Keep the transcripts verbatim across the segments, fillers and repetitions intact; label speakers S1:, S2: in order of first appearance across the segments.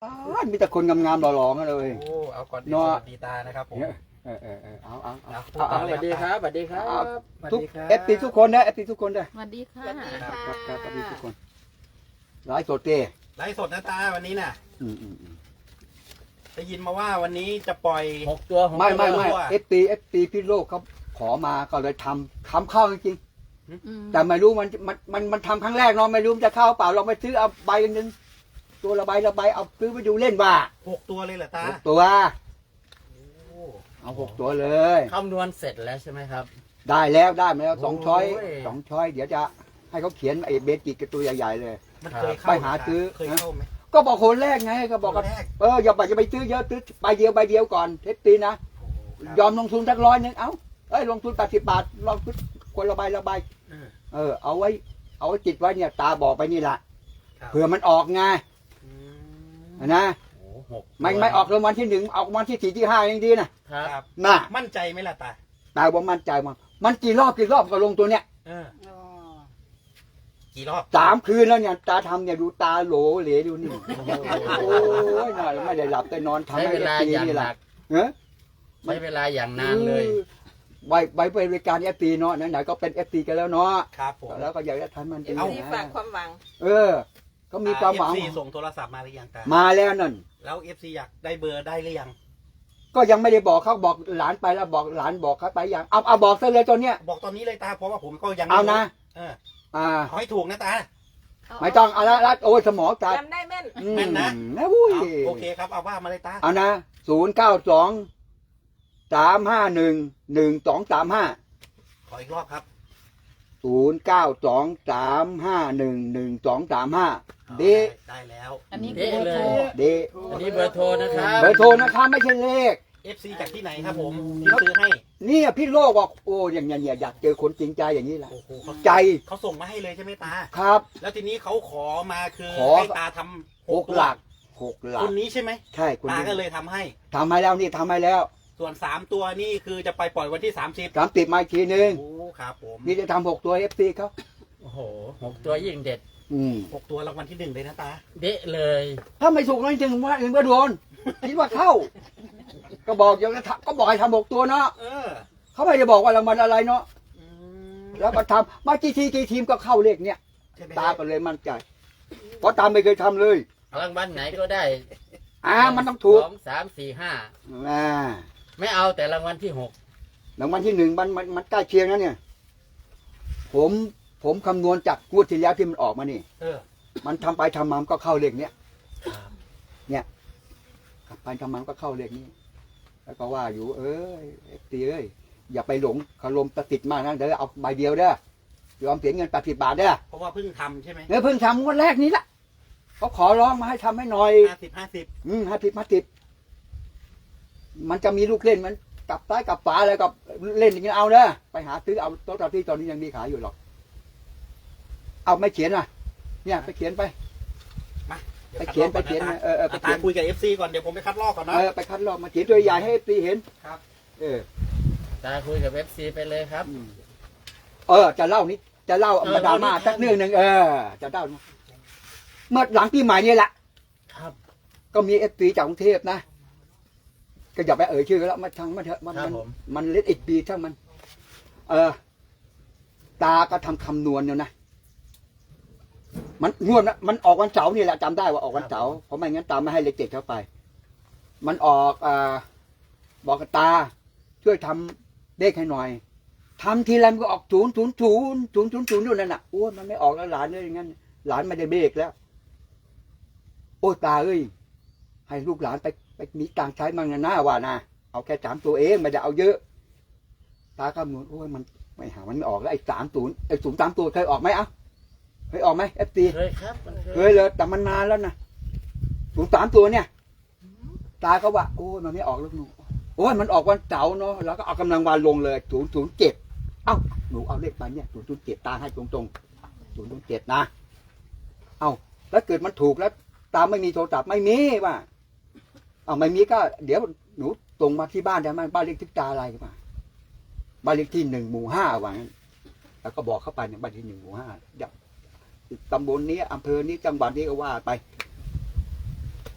S1: มีแต่คนงามๆหล่อๆกันเลย
S2: โอ้เอาก่อนดี
S1: เนาะ
S2: สวัสดีตานะครับผม
S1: เออเออเออเอาเอาเอา
S2: เอา
S1: เอาเอา
S2: สวัสดีครับสวัสดีครับ
S1: ทุกเอฟซีทุกคนนะเอฟซีทุกคนนะ
S3: สวัสดีค่ะ
S1: ครับครับสวัสดีทุกคนไลฟ์สดเต้
S2: ไลฟ์สดนะตาวันนี้น่ะ
S1: อืมอืมอืม
S2: ได้ยินมาว่าวันนี้จะปล่อย
S4: หกตัวหก
S1: ไม่
S4: ตัว
S1: ไม่ไม่
S2: ตัว
S1: เอฟซีเอฟซีพี่โลกเขาขอมาก็เลยทำทำเข้าจริง
S3: อืม
S1: ๆแต่ไม่รู้มันมันมันมันทำครั้งแรกเนาะไม่รู้มันจะเข้าเปล่าเราไปซื้อเอาใบหนึงตัวละใบละใบเอาซื้อไปดูเล่นว่า
S2: หกตัวเลยเหรอตา
S1: หกตัว
S2: โอ้
S1: เอาหกตัวเลย
S4: คำนวณเสร็จแล้วใช่ไหมครับ
S1: ได้แล้วได้มาแล้วสองช้อย
S4: โอ้ย
S1: สองช้อย เดี๋ยวจะให้เขาเขียนไอ้เบจิกกับตัวใหญ่ๆเลย
S2: มันเคยเข้า
S1: ไปหาซื้อ
S2: เคยเข้าไหม
S1: ก็บอกคนแรกไงก็บอก
S2: ค
S1: กัน
S2: นแรก
S1: เอออย่าไปจะไปซื้อเยอะซื้อใบเดียวใบเดียวก่อนเทสตีนะ
S2: โอ้ครับ
S1: ยอมลงทุนสักร้อยหนึงเอ้าเอ้ยลงทุนแปดสิบบาทลองทุนคนละใบละใบ
S2: เออ
S1: เออเอาไว้เอาไว้ติดไว้เนี่ยตาบอกไปนี่แหละ
S2: ครับ
S1: เผื่อมันออกไง
S2: อืม
S1: นะ
S4: โอ้หกตัว
S1: ไม่ไม่ออกรางวัลที่หนึ่งออกรางวัลที่สี่ที่ห้ายังดีนะครับ
S2: ครับ
S1: น่ะ
S2: มั่นใจไหมล่ะตา
S1: ตาบอกมั่นใจมั้งมันกี่รอบกี่รอบก็ลงตัวเนี้ย
S2: เออกี่รอบ
S1: สามคืนแล้วเนี่ยตาทำเนี่ยดูตาโหลเหลดูนี่โอ้ยน่าไม่ได้หลับแต่นอนทำ
S4: ใช้
S1: ให้
S4: เวลา
S1: เอฟซี
S4: อย่าง
S1: นี่
S4: ห
S1: แห
S4: นั
S1: ละ
S4: ก
S1: เนอะ
S4: ใช้เวลาอย่างนานเลย
S1: ไว้ไว้บริการเอฟซีเนาะไหนๆก็เป็นเอฟซีกันแล้วเนาะ
S2: ครับผม
S1: แล้วก็อยากจะทำมัน
S3: เอ
S1: ดี
S3: ฟ
S1: นะ
S3: ซีฝากความหวัง
S1: เออเขามีความหวัง
S2: เอฟซีส่งโทรศัพท์มาหรือยังตา
S1: มาแล้วนั่น
S2: แล้วเอฟซีอยากได้เบอร์ได้หรือยัง
S1: ก็ยังไม่ได้บอกเขาบอกหลานไปแล้วบอกหลานบอกเขาไปยังเอาเอาบอกซะเลยตอนเนี้ย
S2: บอกตอนนี้เลยตาเพราะว่าผมก็ยัง
S1: เอานะ
S2: เออ
S1: อ่า
S2: เอาให้ถูกนะตา
S1: ไม่ต้องเอาละละโอ้ยสมองตา
S3: จำได้แม่น
S1: อืม
S2: แม่นนะ
S1: นะวุ้ย
S2: เอาโอเคครับเอาว่ามาเลยตา
S1: เอานะศูนย์เก้าสองสามห้าหนึ่งหนึ่งสองสามห้า
S2: ขออีกรอบครับ
S1: ศูนย์เก้าสองสามห้าหนึ่งหนึ่งสองสามห้าเด
S2: ได้แล้ว
S3: อันนี้
S4: เอ๊ะ
S3: เบอร์
S4: เล
S3: โทร
S4: ย
S1: เด
S4: อันนี้เบอร์โทรนะครับ
S1: เบอร์โทรนะครับไม่ใช่เลข
S2: เอฟซีจากที่ไหนครับผมที่ซื้อให้
S1: เนี่ยพี่โลกบอกโอ้อย่างเงี้ยเนี่ยอยากเจอคนจริงใจอย่างนี้แหละ
S2: โอ้โหเขา
S1: ใจ
S2: เขาส่งมาให้เลยใช่ไหมตา
S1: ครับ
S2: แล้วทีนี้เขาขอมาคือ
S1: ขอ
S2: ให้ตาทำ
S1: หกหลักหกหลั
S2: ค
S1: ก
S2: นนี้ใช่ไหม
S1: ใช่คุณ
S2: ตา
S1: นี่
S2: ก็เลยทำให้
S1: ทำให้แล้วนี่ทำให้แล้ว
S2: ส่วนสามตัวนี่คือจะไปปล่อยวันที่สามสิบ
S1: สามติดมาอีกทีนึง
S2: โอ้ครับผม
S1: นี่จะทำหกตัวเอฟซีเขา
S4: โอ้โหหกตัวยิ่งเด็ด
S1: อืม
S2: หกตัวรางวัลที่หนึ่งเลยนะตา
S4: เดะเลย
S1: ถ้าไม่ถูกนั่นจึงว่าถึงว่าโดนคิดว่าเข้า ก็บอกอย่างนั้นก็บอกให้ทำหกตัวเนาะ
S2: เออ
S1: เขาไม่ได้บอกว่ารางวัลอะไรเนาะ
S2: อืม
S1: แล้วก็ทำมากี่ทีกี่ทีมก็เข้าเลขเนี้ย
S2: ใช่ไหม
S1: ตาก็เลยมั่นใจเพราะตามไม่เคยทำเลย
S4: รางวัลไหนก็ได้
S1: อ่ามันต้องถูก
S4: สองสามสี่ห้า
S1: อ่า
S4: ไม่เอาแต่รางวัลที่หก
S1: รางวัลที่หนึ่งมันมันมันใกล้เคียงนะเนี่ย ผมผมคำนวณจากงวดที่แล้วที่มันออกมานี่
S2: เออ
S1: มันทำไปทำมามันก็เข้าเลขเนี้ยทำไปทำมามันก็เข้าเลขนี้ แล้วก็ว่าอยู่เอ้ยเอฟตีเอ้ยอย่าไปหลงคารมประติดมากนะเดี๋ยวเอาใบเดียวเด้อยอมเสียเงินแปดสิบบาทเด้อ
S2: เพราะว่าเพิ่งทำใช่ไหม
S1: เนี่ยเพิ่งทำงวดแรกนี้ละเขาขอร้องมาให้ทำให้หน่อย
S2: ห้าสิบห้าสิบ
S1: อืมห้าสิบห้าสิบมันจะมีลูกเล่นมันกลับซ้ายกลับฝาอะไรกับเล่นอย่างนี้เอาเด้อไปหาซื้อเอาโต๊ะที่ตอนนี้ยังมีขายอยู่หรอกเอาไม่เขียนอ่ะเนี่ยไปเขียนไป ไปเขียนไปเขียนนะเออเออไป
S2: ตา
S1: เขียน
S2: คุยกับเอฟซีก่อนเดี๋ยวผมไปคัดลอกก่อนนะ
S1: เออไปคัดลอกมาเขียนตัวใหญ่ให้ตีเห็น
S2: ครับ
S1: เออ
S4: ตาคุยกับเอฟซีไปเลยครับ
S1: อืมเออ จะเล่านี้จะเล่า
S4: เออ
S1: มาดราม่า
S4: เล่านิทาน
S1: สักเรื่องหนึ่งเออ จะเล่าเมื่อหลังปีใหม่นี่แหละ
S4: ครับ
S1: ก็มีเอฟซีจากกรุงเทพนะก็อย่าไปเอ่ยชื่อแล้วมาทางมันเถอะมัน
S4: ครับ
S1: มัน
S4: ผม
S1: มันเล็ดอีกปีช่างมัน เออ ตาก็ทำคำนวณเนี่ยนะมันงวดนะมันออกวันเสาร์นี่แหละจำได้ว่าออกวันเสาร์เพราะไม่งั้นตาไม่ให้เลขเจ็ดเข้าไป มันออกอ่าบอกกับตา ช่วยทำเลขให้หน่อยทำทีไรมันก็ออกศูนย์ศูนย์ศูนย์ศูนย์ศูนย์ศูนย์อยู่นั่นน่ะโอ้ยมันไม่ออกแล้วหลานเลยอย่างนั้นหลานไม่ได้เบรกแล้ว โอ้ตาเอ้ยให้ลูกหลานไปไปมีตังค์ใช้มั่งนะหน้าว่านะเอาแค่สามตัวเองไม่ได้เอาเยอะ ตาก็มือโอ้ยมันไม่หามันไม่ออกแล้วไอ้สามศูนย์ไอ้ศูนย์สามตัวเคยออกไหมเอ้าเคยออกไหมเอฟซี
S4: เคยครับมัน
S1: เคยเลยแต่มันนานแล้วนะศูนย์สามตัวเนี่ย ตาก็ว่าโอ้ยมันไม่ออกแล้วหนูโอ้ยมันออกวันเสาร์เนาะแล้วก็เอากำลังวานลงเลยศูนย์ศูนย์เจ็ดเอ้าหนูเอาเลขไปเนี่ยศูนย์ศูนย์เจ็ดตาให้ตรงตรงศูนย์ศูนย์เจ็ดนะเอ้าแล้วเกิดมันถูกแล้ว ตาไม่มีโทรศัพท์ไม่มีว่าเอาไม่มีก็ เดี๋ยวหนูตรงมาที่บ้านได้ไหมบ้านเลขที่ตาอะไรป่ะบ้านเลขที่หนึ่งหมู่ห้าว่างั้นแล้วก็บอกเข้าไปในบ้านที่หนึ่งหมู่ห้าเดี๋ยวตำบลนี้อำเภอนี้จังหวัดนี้ก็ว่าไป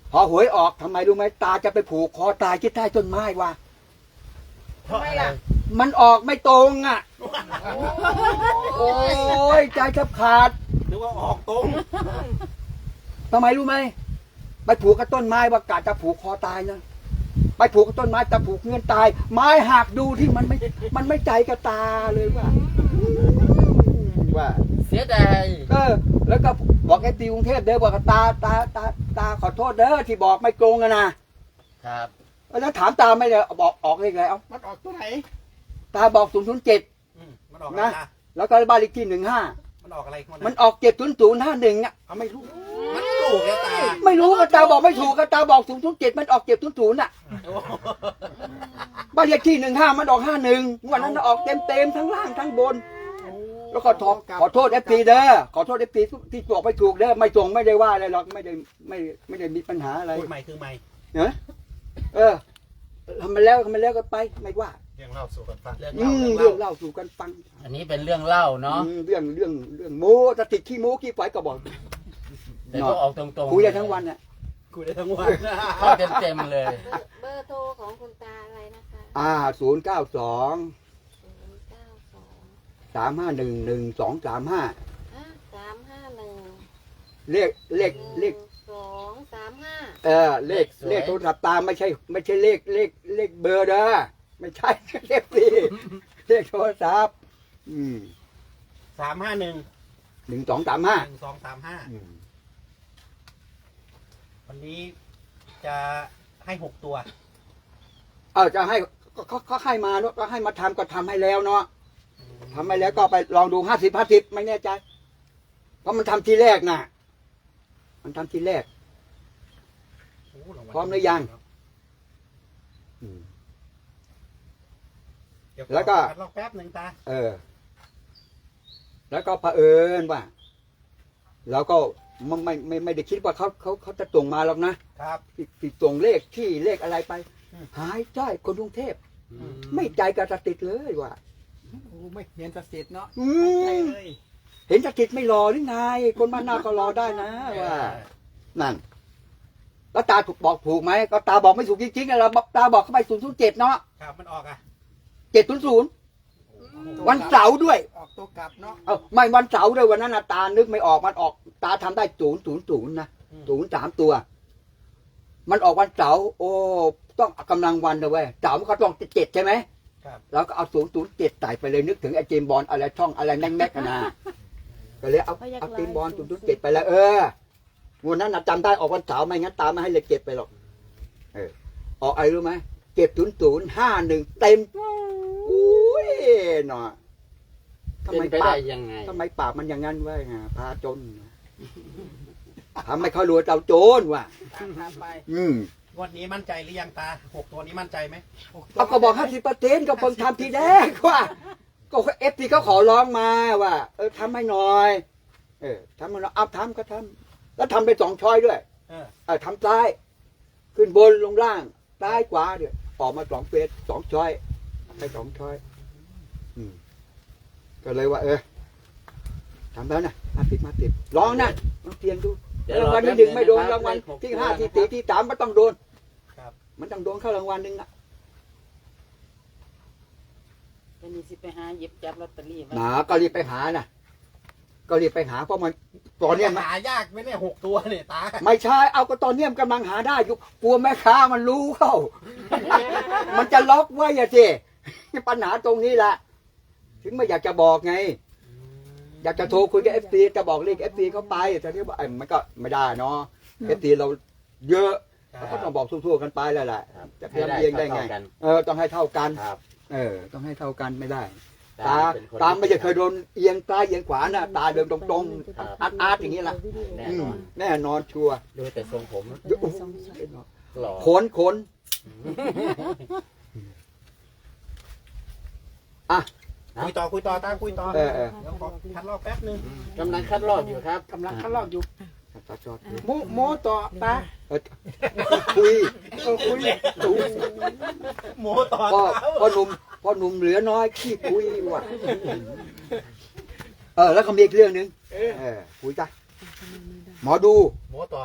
S1: พอหวยออกทำไมรู้ไหมตาจะไปผูกคอตายที่ใต้ต้นไม้วะ
S4: ทำไมล่ะ
S1: มันออกไม่ตรงอ่ะ โอ้ยใจแทบขาด
S2: นึกว่าออกตรง
S1: ทำไมรู้ไหมไปผูกกับต้นไม้ว่ากาจะผูกคอตายนะไปผูกกับต้นไม้แต่ผูกเงินตาย ไม้หักดูที่มันไม่มันไม่ใจกับตาเลยว่าว่า
S4: เสียดาย
S1: เออแล้วก็บอกไอ้ตีกรุงเทพเด้อบอกกับตาตาตาตาขอโทษเด้อที่บอกไม่ตรงอะนะครับ แล้วถามตาไม่เลยบอกออกเลขอะไรเอ้า
S2: มันออกตัวไหน
S1: ตาบอกศูนย์ศูนย์เจ็ด
S2: อืมมันออกอะไร
S1: นะ
S2: นะ
S1: แล้วก็บ้านเลขที่หนึ่งห้า
S2: มันออกอะไรของ
S1: มันออกเจ็ดศูนย์ศูนย์ห้าหนึ่งอ่ะ
S2: เอาไม่รู้มันถูกแล้วตา
S1: ไม่รู้ก็ตาบอกไม่ถูกก็ตาบอกศูนย์ศูนย์เจ็ดมันออกเจ็ดศูนย์ศูนย์อ่ะ
S2: โอ้
S1: บ้านเลขที่หนึ่งห้ามันออกห้าหนึ่งวันนั้นออกเต็มเต็มๆทั้งล่างทั้งบน แล้วก็ขอขอโทษเอฟซีเด้อขอโทษเอฟซีที่บอกไม่ถูกเด้อไม่ตรงไม่ได้ว่าอะไรหรอกไม่ได้ไม่ไม่ได้มีปัญหาอะไร
S2: พูดใหม่คือใหม่
S1: เนอะเออทำมาแล้วทำมาแล้วก็ไปไม่ว่า
S2: เรื่องเล่าสู่กันฟัง
S4: เรื่อง
S1: อื
S4: เล่าม เรื่อง
S1: เรื่อง
S4: เล่า
S1: เล่าสู่กันฟัง
S4: อันนี้เป็นเรื่องเล่าเนาะ
S1: อืมเรื่องเรื่องเรื่องโม้ตะติดขี้โม้ขี้ไฟก็บอก
S4: แต่ก็ออกตรงๆ
S1: คุยได้ทั้งวันอ่ะ
S2: คุยได้ทั้งวัน
S4: เข้าเต็มๆเลย
S3: เบอร์โทรของคุณตาอะไรนะคะ
S1: อ่าศูนย์เก้าสอง
S3: ศูนย์เก้าสอง
S1: สามห้าหนึ่งหนึ่งสองสามห้า
S3: ห้าสามห้าหนึ่ง
S1: เลขเลขเลข
S3: สองสามห้า
S1: เออเลข
S4: สวย
S1: เลขโทรศัพท์ตามไม่ใช่ ไม่ใช่เลขเลขเลขเบอร์เด้อไม่ใช่ เลขสี่เลขโทรศัพท์อืม
S2: สามห้าหนึ่ง
S1: หนึ่งสองสามห้า
S2: หนึ่งสองสามห้า
S1: อืม
S2: วันนี้จะให้หกตัว
S1: เออจะให้ก็เขาเขาให้มาเนอะก็ให้มาทำก็ทำให้แล้วเนาะทำให้แล้วก็ไปลองดูห้าสิบห้าสิบไม่แน่ใจ เพราะมันทำทีแรกน่ะ มันทำทีแรก
S2: โอ้างวัล
S1: พร้อมหรือยัง อืม
S2: เดี๋ย
S1: แล้วก็
S2: คัดลอกแป๊บหนึ่งตา
S1: เออ แล้วก็เผอิญว่าเราก็ไม่ไม่ไม่ไม่ได้คิดว่าเขาเขาเขาจะส่งมาหรอกนะครับ ที่ที่ส่งเลขที่เลขอะไรไป
S2: อืม
S1: หายจ้อยคนกรุงเทพ
S4: อืม
S1: ไม่ใจกระติดเลยว่ะ
S2: โอ้ไม่เห็นสถิตเนาะ
S1: อื
S2: ใช่
S1: ม
S2: เลย
S1: เห็นกระติดไม่รอหรือไง คนบ้านนาก็รอได้นะว่า นั่น แล้วตาถูกบอกถูกไหมก็ตาบอกไม่ถูกจริงๆอะเราตาบอกเข้าไปศูนย์ศูนย์เจ็ดเนาะ
S2: ครับมันออกอ่ะ
S1: เจ็ดศูนย์ศูนย์วันเสาร์ด้วย
S2: ออกตัวกลับเนาะ
S1: เอ้าไม่วันเสาร์ด้วยวันนั้นน่ะตานึกไม่ออกมันออกตาทำได้ศูนย์ศูนย์ศูนย์นะ
S2: อืม
S1: ศูนย์สามตัว มันออกวันเสาร์โอ้ต้องเอากำลังวันเลยเว้ยเสาร์มันก็ต้องเจ็ดใช่ไหม
S2: ครับ
S1: เราก็เอาศูนย์ศูนย์เจ็ดใส่ไปเลยนึกถึงไอ้เจมส์บอลอะไรช่องอะไรแน่งแม็กกันนะก็เลยเอาเอาเจมส์บอลศูนย์ศูนย์เจ็ดไปแล้วเออวันนั้นน่ะจำได้ออกวันเสาร์ไม่งั้นตาไม่ให้เลยเจ็ดไปหรอกเออออกอะไรรู้ไหมเจ็ดศูนย์ศูนย์ห้าหนึ่งเต็มอุ้ยหนอทำ
S4: เป็น
S1: ไม
S4: ไป
S1: ปา
S4: ได้
S1: ก
S4: ยังไง
S1: ทำไมปากมันอย่างนั้นวะไงพาจนทำให้เขารวยเจ้าโจรว่ะ
S2: ตามไป
S1: อืม
S2: งวันนี้มั่นใจหรือยังตาหกตัวนี้มั่นใจไหม
S1: เอาก็บอกห้าสิบเปอร์เซ็นต์ก็เพิ่งทำทีแรกว่า ก็เอฟซีเขาขอร้องมาว่า เออทำให้หน่อย เออทำให้หน่อยเอาทำก็ทำแล้วทำไปสองช้อยด้วย
S2: เออ
S1: เออทำซ้าย ขึ้นบนลงล่างซ้ายขวาเดี๋ยวออกมาสองเฟสสองช้อยไปสองช้อย อืม ก็เลยว่า เออทำแล้วนะมาติดมาติดลองนะลองเตียงดู
S4: เดี๋ยว
S1: รางวัลที่หนึ่งไม่โดนรางวัลที่ห้าที่สี่ที่สามมันต้องโดน
S2: ครับ
S1: มันต้องโดนเข้ารางวัลหนึ่งนะ
S5: วันนี้สิไปหาหยิบจับลอตเตอรี่ไว้
S1: หนาก็รีบไปหานะก็รีบไปหาเพราะมันตอนเนี้ยมัน
S2: หายากไหมเนี่ยหกตัวเนี่ยตา
S1: ไม่ใช่เอาก็ตอนเนี้ยมันกำลังหาได้อยู่กลัวแม่ค้ามันรู้เข้า มันจะล็อกไว้อะสิปัญหาตรงนี้แหละถึงไม่อยากจะบอกไง อยากจะโทรคุยกับเอฟซีจะบอกเลขเอฟซีเขาไปแต่ที่ว่าไอ้มันก็ไม่ได้เนาะเอฟซีเราเยอะเราก็ต้องบอกทั่วๆกันไปแล้วแหละ
S4: ครับ
S1: จะเพียงเพียงได้ไง
S4: ให้เท่ากัน
S1: เออต้องให้เท่ากัน
S4: ครับ
S1: เออ ต้องให้เท่ากันไม่ได้
S4: ตา
S1: ตา
S4: เป็นคน
S1: ตาไม่ใช่เคยโดนเอียงซ้ายเอียงขวานะตาเดินตรง
S4: ครับ
S1: ๆอาร์ตอาร์ตอย่างนี้ล่ะ
S4: แน่
S1: อื
S4: น
S1: ม
S4: อน
S1: แน่นอนชัวร์
S4: ดูแต่ทรงผม
S1: เดี๋ยวโอ้โห
S4: หล่อ
S1: ขนขนอ่ะ
S2: คุยต่อคุยต่อตาคุยต่อ
S1: เออเออ
S2: เดี๋ยวขอคัดลอกแป๊บหนึง
S4: กำลังคัดลอกอยู่ครับ
S5: กำลังทดลองอยู่
S1: ตาจอด
S5: โมโมต่อตา
S1: เออคุย
S5: เออคุย
S1: ถู
S2: หมูต่อ
S1: พ่อ
S2: เท้า
S1: พ่อหนุ่มพ่อหนุ่มเหลือน้อยขี้คุยว่ะเออ แล้วก็มีอีกเรื่องหนึ่งเออคุยจ้ะหมอดู
S2: หมูต่อ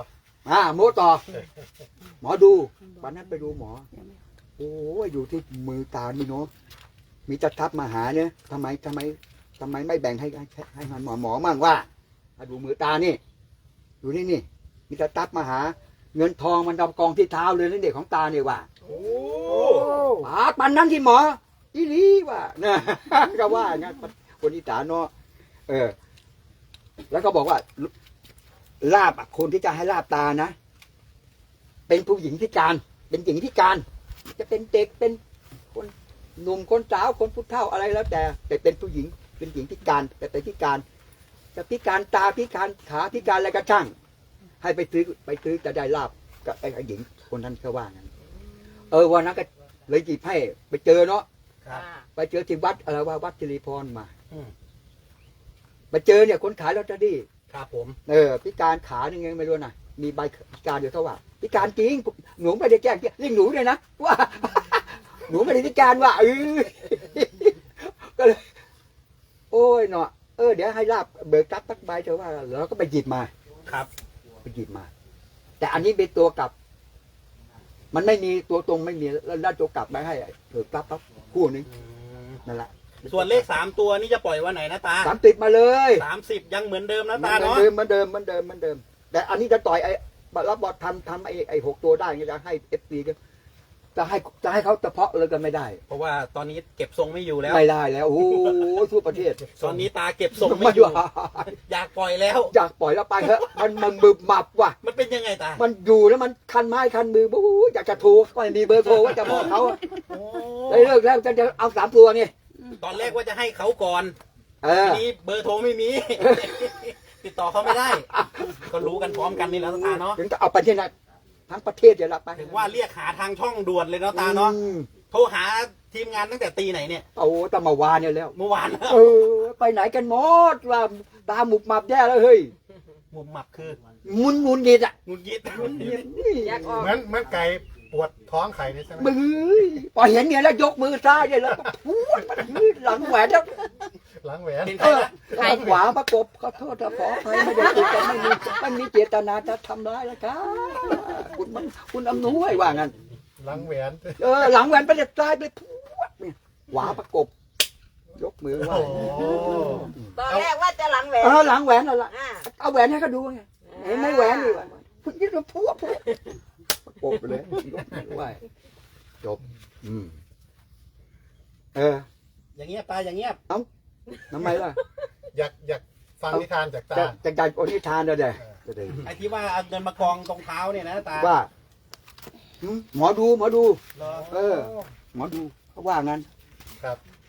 S1: อ่าโมต่อ หมอดูวันนั้นไปดูหมอ โอ้ยอยู่ที่มือตานี่เนาะมีจะทับมาหาเนี่ยทำไมทำไมทำไมไม่แบ่งให้ให้ให้มันหมอหมอมั่งว่ามาดูมือตานี่ดูนี่นี่มีจะทับมาหา เงินทองมันดำกองที่เท้าเลยนั่นเด็กของตาเนี่ยว่า
S2: โอ้
S1: ปาดปันนั้นที่หมออีหลีว่านะก็ว่างั้นคนอีสานเนาะเออ แล้วก็บอกว่าลาบอะคนที่จะให้ลาบตานะเป็นผู้หญิงพิการ เป็นหญิงพิการ จะเป็นเด็กเป็นคนหนุ่มคนสาวคนผู้เฒ่าอะไรแล้วแต่ แต่เป็นผู้หญิงเป็นหญิงพิการ แต่เป็นพิการจะพิการตาพิการขาพิการอะไรก็ช่าง ให้ไปซื้อไปซื้อจะได้ลาบกับไอ้หญิงคนนั้นเขาว่างั้นเออวันนั้นก็เลยหยิบให้ไปเจอเนาะ
S2: ครับ
S1: ไปเจอที่วัดอะไรว่าวัดจิริพรมา
S2: อืม
S1: ไปเจอเนี่ยคนขายลอตเตอรี่
S2: ครับผม
S1: เออพิการขาหนึ่งไงไม่รู้นะมีใบพิการอยู่เท่าว่าพิการจริงหนูไม่ได้แกล้งเรียกหนูเลยนะว่า หนูไม่ได้พิการว่าเออก็เลยโอ้ยเนาะเออเดี๋ยวให้ลาบเบิกทรัพย์สักใบเถอะว่าแล้วก็ไปหยิบมา
S2: ครับ
S1: ไปหยิบมา แต่อันนี้เป็นตัวกลับ มันไม่มีตัวตรงไม่มีแล้วได้ตัวกลับมาให้เบิกทรัพย์ปั๊บคู่นึง
S2: อืม
S1: นั่นแหละ
S2: ส่วนเลขสามตัวนี่จะปล่อยวันไหนนะตา
S1: สามติดมาเลย
S2: สามสิบยังเหมือนเดิมนะ
S1: เหมื
S2: ตา
S1: อน
S2: เนาะ
S1: เดิมเหมือนเดิมเหมือนเดิมเหมือนเดิม แต่อันนี้จะต่อยไอ้รับบอลทำทำไอ้ไอ้หกตัวได้จะให้เอฟซีก็จะให้จะให้เขาเฉพาะเลยกันไม่ได้
S2: เพราะว่าตอนนี้เก็บทรงไม่อยู่แล้ว
S1: ไม่ได้แล้วโอ้โหทั่วประเทศ
S2: ตอนนี้ตาเก็บทรง
S1: ไม่
S2: ไม่อยู่
S1: ว่า
S2: อยากปล่อยแล้ว
S1: อยากปล่อยแล้วไปเถอะมันมันบึบมับว่ะ
S2: มันเป็นยังไงตา
S1: มันอยู่แล้วมันคันไม้คันมือโอ้โหอยากจะโทรก็ไม่มีเบอร์โทรว่าจะบอกเขา
S2: โอ้
S1: เลยเลิกแล้วจะจะเอาสามตัวนี่
S2: ตอนแรกว่าจะให้เขาก่อน
S1: เอ
S2: ที
S1: อ
S2: นี้เบอร์โทรไม่มี ติดต่อเขาไม่ได้ ก็รู้กันพร้อมกันนี่แล้วตาเนาะ
S1: ถึงจะเอาไปที่ไหนทั้งประเทศเดี๋ยวละไป
S2: ถึงว่าเรียกหาทางช่องด่วนเลยเนาะตาเนาะ
S1: อืม
S2: โทรหาทีมงานตั้งแต่ตีไหนเนี่ย
S1: โอ้ตั้งมาวานเนี่ยแล้ว
S2: เมื่อวาน
S1: เออไปไหนกันหมดว่าตาหมุบมับแย่แล้วเฮ้ย
S2: มุมหมับคือ
S1: มุนมุนดีอ่ะ
S2: งุนยิด
S5: อยากออก
S6: เหมือนเหมือนไก่ปวดท้องไข่นี่ใช่ไหม
S1: มือพอเห็นเนี่ยแล้วยกมือซ้ายเนี่ยแล้วก็พูดมันหลังแหวนแล้ว
S6: หลังแหวน
S2: เป็น
S1: เอ
S2: ใคร
S1: อ
S2: นะ
S1: หลังขวาประกบขอโทษนะขออภัยไม่ได้ติดกันไม่มีไม่มีเจตนาจะทำร้ายนะครับคุณมันคุณอำนวยว่างั้น
S6: หลังแหวน
S1: เออหลังแหวนไปเด็ดซ้ายไปพูดเนี่ยขวาประกบ ยกมือไหว้
S6: โอ้โห
S5: ตอนแรกว่าจะหลังแหวน
S1: เออหลังแหวนนั่นแหละ
S5: อ่า
S1: เอาแหวนให้เขาดูไงเห็นไหมแหวนนี่แหวนคุณยิ่งจะพูดพูดประกบไปเลยยกมือไหว้จบ อืมเออ
S2: อย่างเงี้ยตาอย่างเงี้ย
S1: ทำไมล่ะ
S6: อยากอยากฟังนิทานจากตา
S1: จะจะจัดโอนิทานเลยเด้จะได้
S2: ไอ้ที่ว่าเอาเงินมากองตรงเท้าเนี่ยนะตา
S1: ว่าหืมหมอดูหมอดู
S2: เหรอ
S1: เออ หมอดูเขาว่างั้น
S6: ครับ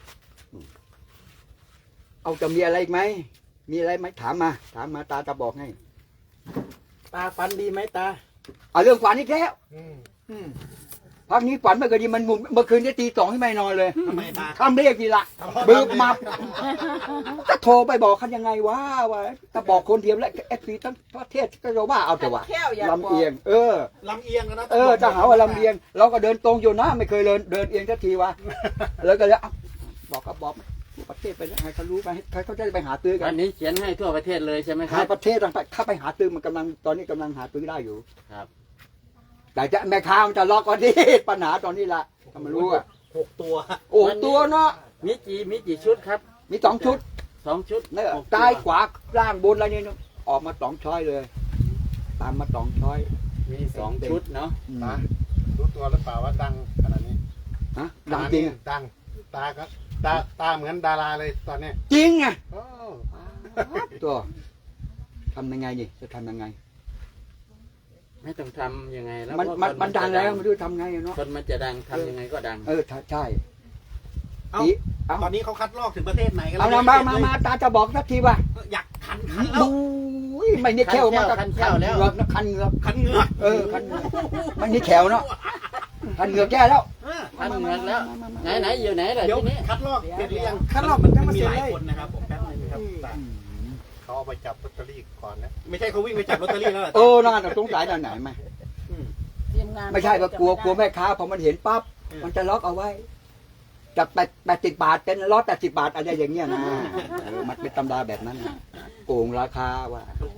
S1: เอาจะมีอะไรอีกไหมมีอะไรไหมถามมาถามมาตาจะบอกให้
S5: ตาฟันดีไหมตา
S1: เอาเรื่องฝันอีกแล้ว
S6: อืม
S1: อืมพักนี้ฝันเมื่อคืนนี้มันงุมเมื่อคืนนี้ตีสองที่ไม่นอนเลย
S2: ทำไมตา
S1: ทำเรียกทีละบึบมาจะโทรไปบอกเขายังไงว่าว่าถ้าบอกคนเดียวแล้วเอฟซีทั้งประเทศก็จะว่าเอาแต่ว่า
S5: แค่วอยาก
S1: ลำเอียง เออ
S2: ลำเอียงกันนะ
S1: เออจะหาว่าลำเอียง เราก็เดินตรงอยู่นะไม่เคยเดินเดินเอียงสักทีวะแล้วก็เลยเอ้าบอกก็บอกทั่วประเทศไปแล้วให้เขารู้ไปให้เขาจะไปหาซื้อกั
S4: วัน นนี้เขียนให้ทั่วประเทศเลยใช่ไหมค
S1: หา
S4: รับ
S1: ประเทศต่างๆถ้าไปหาซื้อมันกำลังตอนนี้กำลังหาซื้อได้อยู่
S4: ครับ
S1: แต่จะแม่ค้ามันจะล็อกก่อนที่ ปัญหาตอนนี้ละถ้ามันรู้อ่ะ
S2: หกตัว
S1: โอ้ตัวเนาะ
S4: มีกี่มีกี่ชุดครับ
S1: มีสองชุด
S4: สองชุด
S1: เนี่ย
S4: หกตัว
S1: ซ้ายขวาล่างบนอะไรนี่เนอะออกมาสองช้อยเลย ตามมาสองช้อย
S4: มีสองชุดเนาะ
S1: อืม
S6: ตารู้ตัวหรือเปล่าว่าดังขนาดนี้
S1: ฮะดังจริงอะ
S6: ดัง ตาก็ตาตาเหมือนดาราเลยตอนเนี้ย
S1: จริงไง
S6: โอ้
S1: ตัวทำยังไงนี่จะทำยังไง
S4: ไม่ต้องทำยังไงแล้ว
S1: มัน
S4: เพราะ
S1: มัน
S4: ค
S1: มันดัง
S4: จะ
S1: แล้วไม่รู้ทำไงอะเนาะ
S4: คนมันจะดังทำยังไงก็ดัง
S1: เออใช่ใช่
S2: เอ้า
S1: อีเอา
S2: ตอนนี้เขาคัดลอกถึงประเทศไหนกัน
S1: เอา
S2: แล้ว
S1: นะมามามาตาจะบอกสักทีว่า
S2: อยากคันคันแล้ว
S1: ดูไม่นี่แขวมาก
S4: คันแค่วแล้ว
S1: เหงือกนะคันเหงือก
S2: คันเหงือก
S1: เออคันเหงือกมันนี่แขวเนาะคันเหงือกแก้แล้ว
S2: เออ
S4: ทันเงินแล้ว ไหนไหนอยู่ไหนล่ะ
S2: เดี๋ยว
S4: ทีนี้
S2: คัดลอกเสร็จหรือยัง
S5: คัดลอกมันยังไม่
S2: มี
S5: เสร็จ
S2: หลาย
S5: เลย
S2: คนนะครับผมแป๊บนึงครับตา
S6: เขาเอาไปจับลอตเตอรี่ก่อนนะ
S2: ไม่ใช่เขาวิ่งไปจับลอตเตอรี่แล้วเหรอ
S1: เออน่าจะสงสัยตอนไหนไหม
S2: อืม
S5: ทีมงาน
S1: ไม่ใช่ว่ากลัวกลัวแม่ค้าพอมันเห็นปั๊บมันจะล็อกเอาไว้จากแปดแปดสิบบาทเป็นร้อยแปดสิบบาทอะไรอย่างเงี้ยนะเออมันเป็นตำราแบบนั้นนะโกงราคาว่า
S6: ถูก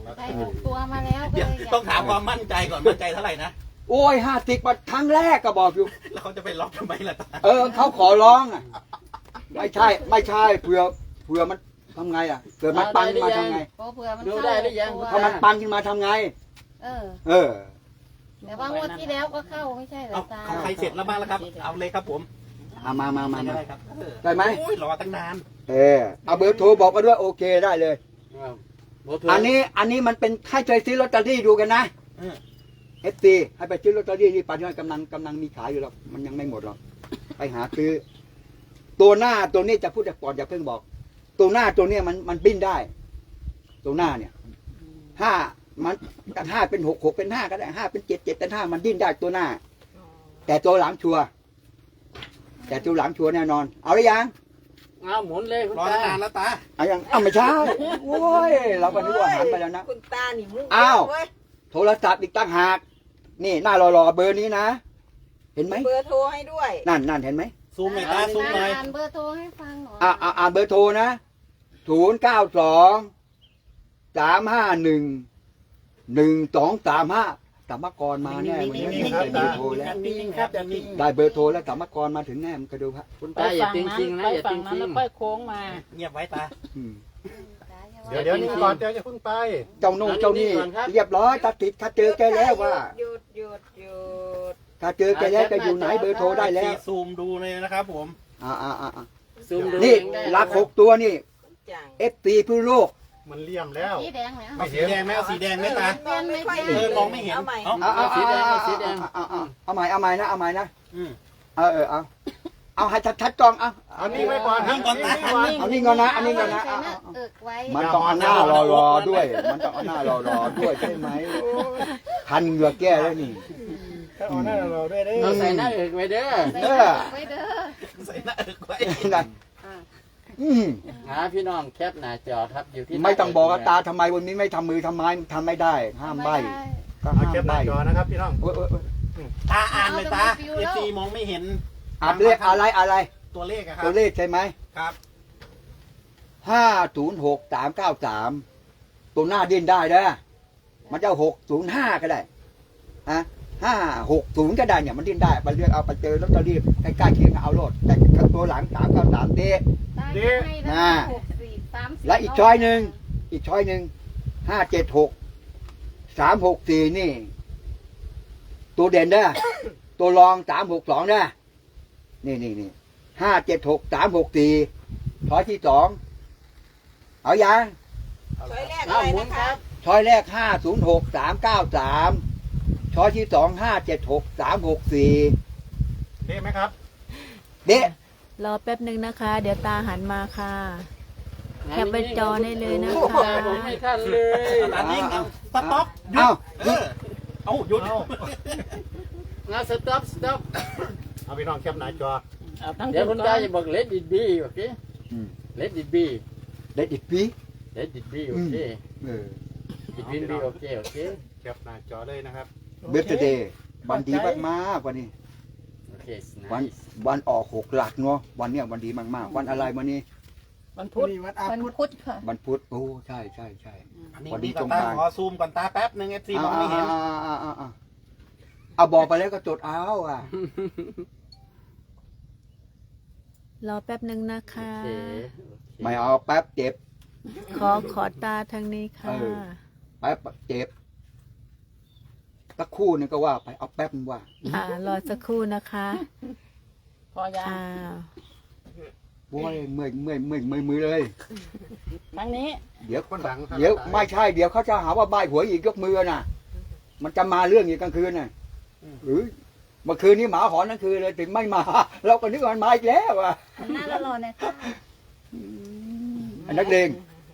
S3: ได้หกตัวมาแล้วก็
S2: เดี๋ยว
S3: เลยอยาก
S2: ต้องถามความมั่นใจก่อนมั่นใจเท่าไหร่นะ
S1: โอ้ยห้าสิบครั้งแรกก็บอกอยู่
S2: แล้วเขาจะไปล็อกทำไมล่ะตา
S1: เออเขาขอร้องอ่ะ ไม่ใช่ ไม่ใช่เผื่อเผื่อมันทำไงอ่ะเผื่อมันปังขึ้นมาทำไง
S3: เพราะเผื่อมัน
S4: ดู
S3: เข้า
S4: ได้หรือยัง
S3: ตัว
S1: ถ้ามันปังขึ้นมาทำไง
S3: เออ
S1: เออ
S3: แต่ว่างวดที่แล้วก็เข้าไม่ใช่เหร
S2: เอา
S3: อตา
S2: ของใครเสร็จแล้วบ้างแล้วครับ เอาเลยครับผม
S1: เอามามามามา
S2: ได้ครับเออ
S1: ได้ไหม
S2: โอ้ยรอตั้งนาน
S1: เออเอาเบอร์โทรบอกกันด้วยโอเคได้เลย
S4: ครับโบโทร
S1: อันนี้อันนี้มันเป็นให้ใจซื้อลอตเตอรี่ดูกันนะ
S2: เออ
S1: เอฟซีให้ไปซื้อลอตเตอรี่ที่ปัจจุบันกำลังกำลังมีขายอยู่หรอกมันยังไม่หมดหรอกไปหาซื้อ ตัวหน้าตัวนี้จะพูดแต่ก่อนอย่าเพิ่งบอก ตัวหน้าตัวเนี้ยมันมันบิ้นได้ ตัวหน้าเนี่ยห้ามันห้าเป็นหกหกเป็นห้าก็ได้ห้าเป็นเจ็ดเจ็ดเป็นห้ามันดิ้นได้ตัวหน้า แต่ตัวหลังชัวร์แต่ตัวหลังชัวร์แน่นอน เอาหรือยัง
S4: เอาหมุนเลยคุณ
S2: รอ
S4: ตา
S2: ตั้งนานแล้วตา
S1: เอายังเอาไม่ใช่โอ้ยเราก็นึกว่าหันไปแล้วนะ
S5: คุณตานี่มุ้ง
S1: อ้าว
S5: เว้ย
S1: โทรศัพท์อีกตั้งหาก นี่หน้ารอๆเบอร์นี้นะ เห็นไหม
S5: เบอร์โทรให้ด้วย
S1: นั่นนั่นเห็นไหม
S2: ซูมหน่อยตาซูมหน่อย
S3: อ่านเบอร์โทรให้ฟังหน่อย
S1: อ่าอ่าอ่าเบอร์โทรนะศูนย์เก้าสองสามห้าหนึ่งหนึ่งสองสามห้าสามกรมาแน่วันนี้
S6: นิ่งๆครับ
S1: ได้เบอ
S6: ตา
S1: ร์โทรแล้ว
S6: นิ่งๆครับอย่านิ่ง
S1: ได้เบอร์โทรแล้วสามกรมาถึงแน่มันก็ดูฮะ
S4: คุณตาอย่าจริงจริงๆนะอย่าจริงจริง
S5: ค่อยโค้งมา
S2: เงียบไว้ตา
S1: อืม
S6: เดี๋ยวเดี๋ยวนิ่งก่อนเดี๋ยวจะเพิ่งไป
S1: เจ้าโน่นเจ้านี่เรียบร้อยตัดติดถ้าเจอแกแล้วว่า
S5: หยุดหยุดหยุด
S1: ถ้าเจอแกแล้วจะอยู่ไหนเบอร์โทรได้แล้ว
S2: ซูมดูเลยนะครับผม
S1: อ่าอ่าอ่าอ่า
S4: ซูมดู
S1: นี่
S4: เองได้
S1: ลักหกตัวนี่
S5: จัง
S1: เอฟซีพื้นโลก
S6: มันเลี่ยมแล้ว
S3: สีแดงเนี่ย
S2: เอาสีแดงไหมเอาสีแดงไหมตา
S5: มองไม่ค่อย
S2: เออมองไม่เห็น
S5: เอาใหม่
S2: เอา
S1: เอาเอาเอาเอาเอาเอาเอาใหม่เอาใหม่นะเอาใหม่นะ
S2: อืม
S1: เออเออเอาเอาให้ชัดๆกล้องเอา
S6: เอานิ่งไว้ก่อนครับ
S2: นิ่งก่อนตา
S1: เอานี่ก่อนนะเอานี่ก่อนนะ
S3: ใส่
S1: เอา
S3: หน้า
S1: เอา
S3: เอิกไว้
S1: มันต้องเอาหน้ารอรอด้วย มันต้องเอาหน้ารอรอด้วยใช่ไหมพันเหงือกแก้แล้วนี่
S6: ถ้าเอาหน้าเราด้วยเด้
S4: เราใส่หน้าเอกไว้เด้อ
S3: ใส่หน้าเอิกไว้เด้อ
S2: ใส่หน้าเอิกไว้
S1: นั่นอืม
S4: หาพี่น้องแคปหน้าจอครับอยู่ที่
S1: ไม่ต้องบอกว่าตาทำไมวันนี้ไม่ทำมือทำไม้ทำไม่ได้ ห้ามใบก็
S6: เอา
S1: ห้าม
S6: เก็บห
S1: ใบ
S6: น้าจอนะครับพี่น้อง
S1: โอ้ยโอ้ยโอ้ย
S2: ตาอ่านเลยตาเอฟซีมองไม่เห็น
S1: อ่านเลขอะไรอะไร
S2: ตัวเลขอะครั
S1: ตัวเลขใช่ไหม
S2: ครับ
S1: ห้าศูนย์หกสามเก้าสามตัวหน้าดิ้นได้เด้อมันจะหกศูนย์ห้าก็ได้ฮะห้าหกศูนย์ก็ได้เนี่ยมันดิ้นได้ไปเลือกเอาไปเจอลอตเตอรี่ใกล้ๆเคียงเอาโลดแต่ตัวหลังสามเก้าสามเด
S3: ได้ให้แล้วหกสี่สามสี่
S1: และอีกช้อยหนึ่งอีกช้อยหนึ่งห้าเจ็ดหกสามหกสี่นี่ ตัวเด่นเด้อตัวรองสามหกสองเด้อนี่นี่นี่ห้าเจ็ดหกสามหกสี่ช้อยที่สองเอายัง
S5: ช้อยแรก
S4: เอา
S5: อะไร
S4: หมุน
S5: นะ
S4: ครั
S5: คะ
S4: บ
S1: ช้อยแรกห้าศูนย์หกสามเก้าสามช้อยที่สองห้าเจ็ดหกสามหกสี่
S6: เด้ไหมครับ
S1: เด็ก
S7: รอแป๊บหนึ่งนะคะ เดี๋ยวตาหันมาค่ะ แคปไว้จอได้เลยนะ
S4: โอ้โห
S7: คะ
S4: ผมไม่ทันเลย
S2: ตานิ่งเอาสต็อปหยุ
S1: เอ้า
S2: ดเออเอาหยุด
S4: งั้นสต็อปสต็อป
S6: เอาพี่น้องแคปหน้าจอ
S4: เดี๋ยวคุณตาจะบอก let it be โอเค let it be
S1: เด็กอีกปี
S4: let it be โอเค
S1: เออ
S4: it will be โอเคโอเค
S6: แคปหน้าจอเลยนะครับ
S1: เบสเดย์วันดีมากๆวันนี้
S4: โอเค
S1: วัน
S4: nice
S1: วันออกหกหลักเนาะวันเนี้ยวันดีมากๆ วันอะไรวันนี้
S5: วันพุธวันพุธค่ะ
S1: วันพุธโอ้ใช่ใช่ใช่
S2: อันนี้
S1: พอดี
S2: นี่
S1: ตรง
S2: ตาก
S1: ลาง
S2: ขอซูมก่อนตาแป๊บหนึ่งเอฟซีมองไม่เห็น
S1: อ่าอ่าอ่าอ่าเอาบอกไปแล้วก็จดเอาอ่ะ
S7: รอแป๊บหนึ่งนะคะ
S4: โอเค
S1: ไม่เอาแป๊บเจ็บ
S7: ขอขอตาทางนี้ค่ะ
S1: เออ แป๊บเจ็บสักครู่นึงก็ว่าไปเอาแป๊บนึงว่า
S7: อ่ารอสักครู่นะคะ
S5: พอยา
S7: อ่า
S1: โว้ยเมื่อยเมื่อยเมื่อยเมื่อยมือเลย
S5: ครั้งนี้
S1: เดี๋ยว
S6: คนหลังครับ
S1: เดี๋ยวไม่ใช่เดี๋ยวเขาจะหาว่าใบหวยอีกยกมือน่ะ มันจะมาเรื่องอีกกลางคืนน่ะหรือเมื่อคืนนี้หมาหอนทั้งคืนเลยถึงไม่มา เราก็นึกว่ามันมาอีกแล้วอ่ะ
S3: หน้าละรอนะคะ
S1: อันนักเลง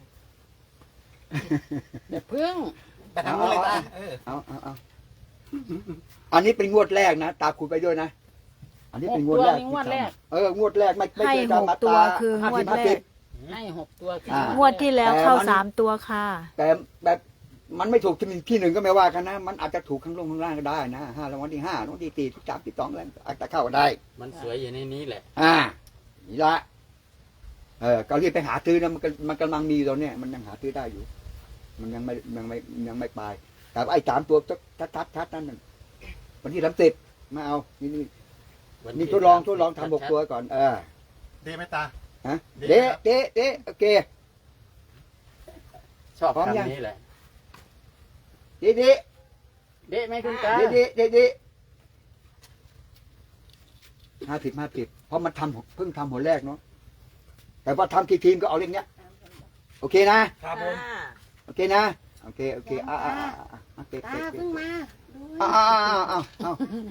S5: พึ่ง
S2: แต่ทำอะไรตาเออ
S1: เอาเอาเอาอันนี้เป็นงวดแรกนะตาคุยไปด้วยนะ อันนี้เป็นงวดแรก
S5: งวดแรก
S1: เอองวดแรกไม่ไม่
S7: ให้
S1: เคย
S7: หก
S1: ทำมา
S7: ตัว
S1: ตา
S7: คือ
S1: ห้าง
S7: ว
S1: สิ
S7: ด
S1: บห้า
S7: แร
S1: สิ
S7: ก
S1: บ
S5: ให้หกตัว
S1: อ่า
S7: งวดที่แล้วเข้า
S1: แต่มัน
S7: สามตัวค่ะ
S1: แต่แบบมันไม่ถูกที่ที่หนึ่งก็ไม่ว่ากันนะ มันอาจจะถูกข้างลงข้างล่างก็ได้นะห้ารางวัลที่ห้ารางวัลที่สี่ที่สามที่สองอะไรอาจจะเข้าก็ได้
S4: มันสวยอยู่ในนี้แหละ
S1: อ่านี่ละเออก็รีบไปหาซื้อนะมันก็มันกำลังมีตอนเนี้ยมันยังหาซื้อได้อยู่มันยังไม่ยังไม่ยังไม่ไปแต่ไอ้สามตัวชัดชัดชัดนั่นน่ะวันที่สามสิบมาเอานี่นี่นี่ทดลองทดลองทำหกตัวก่อนเออ
S6: เดไหมตา
S1: ฮะเดะเดะเดะโอเค
S4: ชอบ
S1: พร้อมยัง
S4: คำนี้แหละ
S1: เดะเดะ
S4: เดะไหมคุณตา
S1: เดะเดะเดะเดะห้าสิบห้าสิบเพราะมันทำเพิ่งทำหัวแรกเนาะแต่ว่าทำกี่ทีมก็เอาเรื่องเนี้ยโอเคนะครับ
S2: ผม
S1: โอเคนะโอเคโอเคอ่าอ่าอ่าอ่าโอเคโอ
S3: ตา
S1: เค
S3: เพิ่งมาดู
S1: อ่าอ่าอ่าอ่าอ่า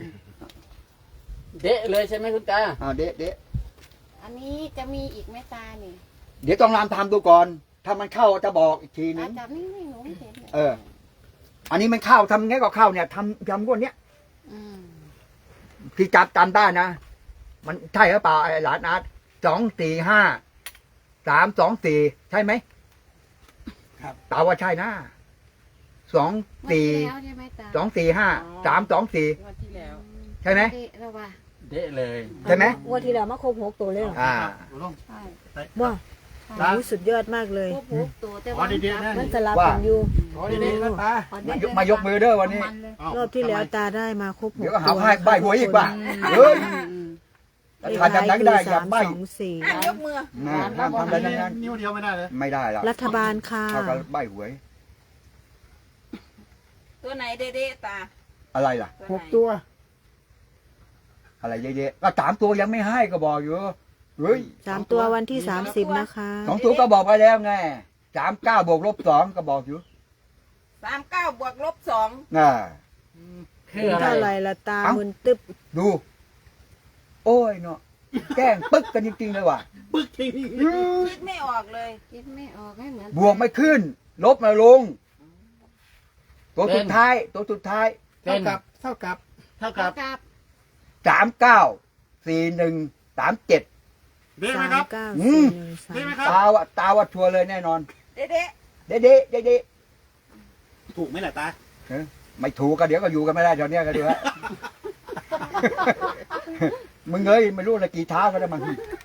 S4: เดะเลยใช่ไหมคุณตา
S1: อ่าเดะเดะ
S3: อันนี้จะมีอีกไหมตานี่
S1: เดี๋ยวต้องรามทำดูก่อน ถ้ามันเข้าจะบอกอีกทีนึ
S3: ตาง จับนี่ไม่หนูไม่เห็นลย
S1: เออ อันนี้มันเข้าทำไงก็เข้าเนี่ยทำทำก้นเนี้ย
S3: อืม
S1: ที่จับจำได้นะ มันใช่หรือเปล่าไอ้หลานอาร์ตสองสี่ห้าสามสองสี่ใช่ไหม
S2: ครับ
S1: ตาว่าใช่นะสอง
S3: งวด
S1: สี่
S3: ที่แล้วใช่ไหมตา
S1: สองสี่ห้าสามสองสี่
S5: งวดที่แล้ว
S1: ใช่ไหม
S3: เดะแล้วว่ะ
S4: เดะเลย
S1: ใช่ไหม
S7: งวดที่แล้วมาครบหกตัวเลยเหรอ
S1: อ่า
S6: ลุง
S3: ใช่
S7: ว้า
S6: ตา
S7: โอ้ยสุดยอดมากเลย
S3: พวกผูกตัวแต่
S6: อ๋อ
S3: ว่า
S6: ดีๆนะ
S7: มันสลับ
S1: ว่า
S7: กันอยู่
S6: อ๋อดีๆนะตาม
S1: ายกมายกมือเด้อวันนี้
S7: รอบที่แล้วตาได้มาครบหก
S1: เดี๋ยวก็หา
S7: ตัว
S1: ให้ใบหวยอีกว่ะเฮ้ย
S7: เลข
S1: ทานจำนั้น
S7: ท้าย
S1: ได้
S7: คือ
S1: อย่า
S7: สาม
S1: ใบ
S7: สองสี่
S5: ยกมือ
S1: นะห้ามทำอะไรทั้งนั้น
S6: นิ้วเดียวไม่ได้เลย
S1: ไม่ได้ละ
S7: รัฐบาลค่ะ
S1: เท่ากับใบหวย
S5: ตัวไหนเด้ๆตา
S1: อะไรล่ะ
S7: หกตัว
S1: อะไรเยอะๆก็สามตัวยังไม่ให้ก็บอกอยู่เฮ้ย
S7: สามตัววันที่สามสิบนะคะ
S1: สองตัวก็บอกไปแล้วไงสามเก้าบวกลบสองก็บอกอยู่
S5: สามเก้าบวกลบสอง
S1: น่ะ
S4: คืออะไร
S7: เท่าไหร่ละตา
S1: เอ้า
S7: มึนตึ๊บ
S1: ดู โอ้ยเนาะแกล้งปึ๊กกันจริงๆเลยว่ะ
S2: ปึ๊กจริง
S5: คิดไม่ออกเลย
S3: คิดไม่ออกให้เหมือน
S1: บวกไม่ขึ้น ลบมาลง ตัวสุดท้าย ตัวสุดท้าย
S6: เท่ากับเท่ากับเท่ากับ
S3: กับ
S1: สามเก้าสี่หนึ่งสามเจ็ด
S6: เดไหม
S7: สาม
S6: ครับ
S7: เก้า
S1: อื
S7: สี่
S1: ม
S7: หนึ่งสา
S6: เดไหม
S7: ม
S6: ครับ
S1: ตาว่าตาว่าชัวร์เลยแน่นอน
S5: เด้
S1: เด๊ะเด๊ะเด๊ะเด๊ะ
S2: ๆถูกไหมล่ะตา
S1: ไม่ถูกก็เดี๋ยวก็อยู่กันไม่ได้ตอนเนี้ยก็ดูฮะ มึงเอ้ยไม่รู้ละกี่เท้าก็ได้มั้ง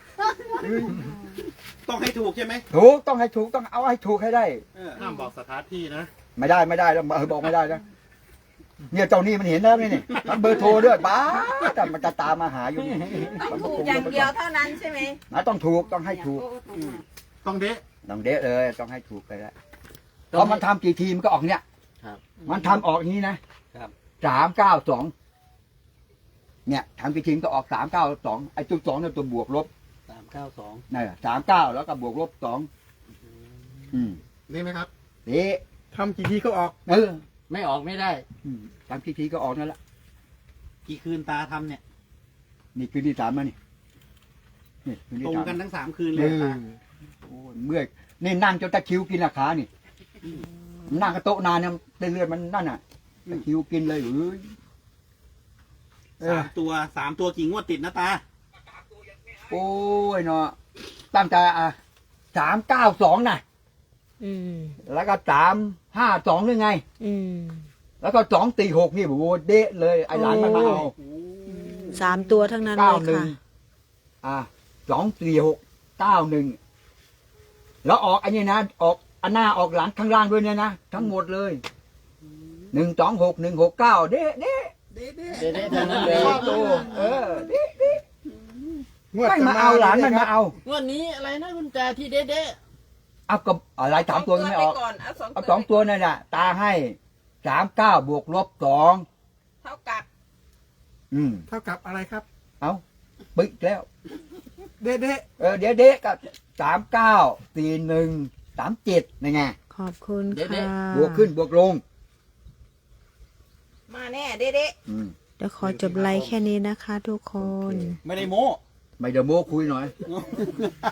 S2: ต้องให้ถูกใช่ไหม
S1: ถูกต้องให้ถูกต้องเอาให้ถูกให้ได้
S2: เออ
S6: ห้ามบอกสถานที่นะ
S1: ไม่ได้ไม่ได้แล้วเออบอกไม่ได้นะเนี่ยเจ้านี่มันเห็นแล้วนี่นี่ทั้งเบอร์โทรด้วยบ้าแต่มันจะตามมาหาอยู่นี่
S5: ต้องถูกอย่างเดียวเท่านั้นใช่ไหม
S1: นะต้องถูกต้องให้ถูก
S6: ต้องเดะ
S1: ต้องเดะเลยต้องให้ถูกไปแล้วเพราะมันทำกี่ทีมก็ออกเนี่ย
S4: ครับ
S1: มันทำออกอย่างนี้นะครับ สามเก้าสองเนี่ยทำกี่ทีมก็ออกสามเก้าสองไอ้ตัวสองเนี่ยตัวบวกลบ
S2: สามเก้าสอง
S1: นี่สามเก้าแล้วก็บวกลบสองอืม
S6: เดไหมครับ
S1: เดะ
S6: ทำกี่ทีก็ออก
S1: เออ
S4: ไม่ออกไม่ได้
S1: อืมทำกี่ทีก็ออกนั่นแหละ
S2: กี่คืนตาทำเนี่ย
S1: นี่คืนที่สามมานี่นี่คืนที่
S2: ตรง
S1: สาม
S2: กันทั้งสามคืนเล
S1: เอย อ
S2: ตา
S1: โอ้ยเมื่อยนี่นั่งจนตะคริวกินราคานี่นั่งกระโต๊ะนานเนี่ยเส้นเลือดมันนั่นน่ะตะคริวกินเลยเอ้ยเออ
S2: สามตัวสามตัวกี่งวดติดนะตา
S1: โอ้ยเนาะตั้งแต่อ่ะสามเก้าสองน่ะ
S7: อืม
S1: แล้วก็สามห้าสองหรือไง
S7: อืม
S1: แล้วก็สองตีหกนี่โอ้โหเดะเลยไอ้หลานมันมาเอา
S7: สามตัวทั้งนั้นเล
S1: เก้าย หนึ่ง
S7: ค่ะ
S1: อ่ะสองสี่หกเก้าหนึ่งแล้วออกไอ้นี่นะออกอันหน้าออกหลังข้างล่างด้วยเนี่ยนะทั้งหมดเลยหนึ่งสองหกหนึ่งหกเก้าเดะเดะ
S2: เด้เด้
S4: เดะๆทั้งนั้นเลย
S1: ชอบดูเออเดะเดะไม่มาเอาหลานมันมาเอา
S4: งวดนี้อะไรนะคุณตาที่เดะ
S1: เอากับอะไรสามตัวยังไม่ออก
S5: ก่อนเอาสอง
S1: เอาสองตัวนั่นน่ะตาให้สามเก้าบวกลบสอง
S5: เท่ากับ
S1: อืม
S6: เท่ากับอะไรครับ
S1: เอาปึ๊กแล้ว
S6: เดะเดะ
S1: เออเดี๋ยวเด็กก็สามเก้าสี่หนึ่งสามเจ็ดนี่ไง
S7: ขอบคุณค่ะ
S1: บวกขึ้นบวกลง
S5: มาแน่เด้ๆ
S1: อืม
S7: เดี๋ยวขอจบไลค์แค่นี้นะคะทุกคน
S2: ไม่ได้โม้
S1: ไม่เดี๋ยวโม้คุยหน่อย